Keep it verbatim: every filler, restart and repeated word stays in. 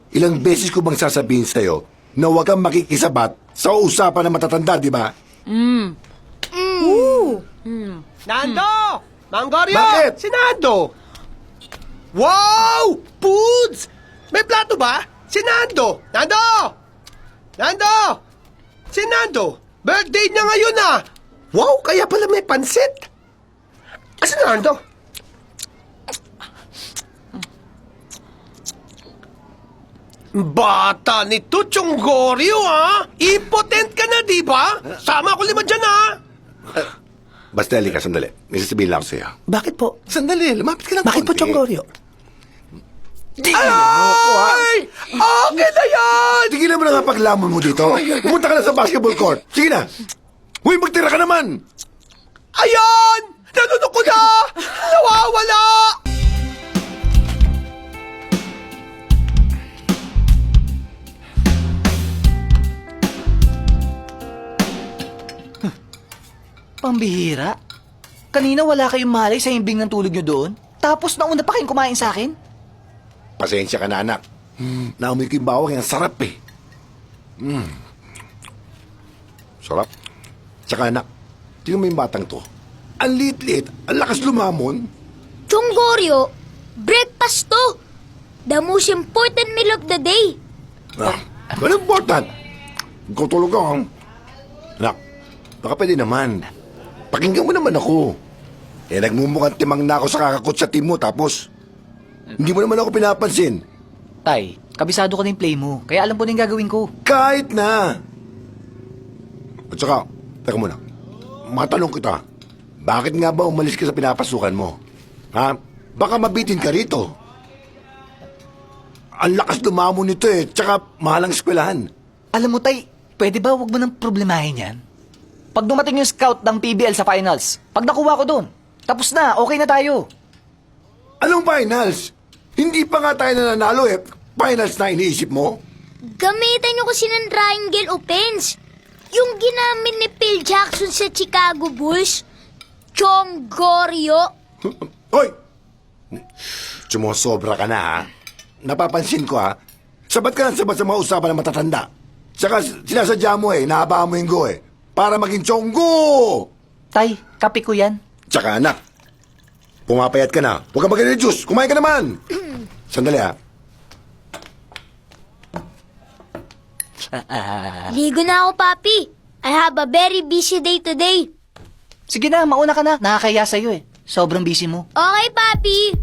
Ilang beses ko bang sasabihin sa'yo na huwag kang makikisabat sa usapan ng matatanda, di ba? Nando! Manggorio! Bakit? Si Nando! Wow! Foods! May plato ba? Si Nando! Nando! Nando! Si Nando! Birthday niya ngayon ah! Wow! Kaya pala may pansit! Asa si Nando? Bata ni Tuchonggorio ah! Impotent ka na, di ba? Sama ko lima dyan ah! Basta, halika, sandali. May sasabihin lang ako sa'yo. Bakit po? Sandali, lumapit ka lang Bakit po, konti. Chonggorio? Ay! Okay na yan! Tigilan mo na nga paglamon mo dito. Pumunta ka na sa basketball court. Sige na. Huy, magtira ka naman. Ayan! Nanunok ko na! Nawawala! Pambihira. Kanina wala kayong malay sa himbing ng tulog nyo doon. Tapos nauna pa kayong kumain sa akin. Pasensya ka na, anak. Mm, naamoy ko yung bawang. Ang sarap eh. Mm. Sarap. Tsaka, anak, tingnan mo yung batang to. Ang liit-liit. Ang lakas lumamon. Chonggorio, breakfast to. The most important meal of the day. Ah, ano important? Kutulog ka, ha? Anak, baka pwede naman. Pakinggan mo naman ako. Eh, nagmumukhang timang na ako sa kakakot sa team mo, tapos hindi mo naman ako pinapansin. Tay, kabisado ko na yung play mo. Kaya alam ko na yung gagawin ko. Kahit na. At saka, teka muna. Matanong kita, bakit nga ba umalis ka sa pinapasukan mo? Ha? Baka mabitin ka rito. Ang lakas lumamo nito eh, tsaka mahalang eskwelahan. Alam mo, Tay, pwede ba wag mo nang problemahin yan? Pag dumating yung scout ng P B L sa finals, pag nakuha ko doon, tapos na, okay na tayo. Anong finals? Hindi pa nga tayo nananalo eh. Finals na iniisip mo? Gamitan niyo kasi ng triangle offense. Yung ginamit ni Phil Jackson sa Chicago Bulls. Chonggorio. Hoy! Sumusobra ka na, ha? Napapansin ko, ha? Sabat ka lang sabat sa mga usapan ng matatanda. Saka sinasadya mo eh, nahabaan mo yung go eh. Para maging chonggo! Tay, kape ko yan. Tsaka anak, pumapayat ka na. Huwag ka mag-reduce. Kumain ka naman. Sandali, ha? Ligo na ako, Papi. I have a very busy day today. Sige na, mauna ka na. Nakakaya sa'yo eh. Sobrang busy mo. Okay, Papi.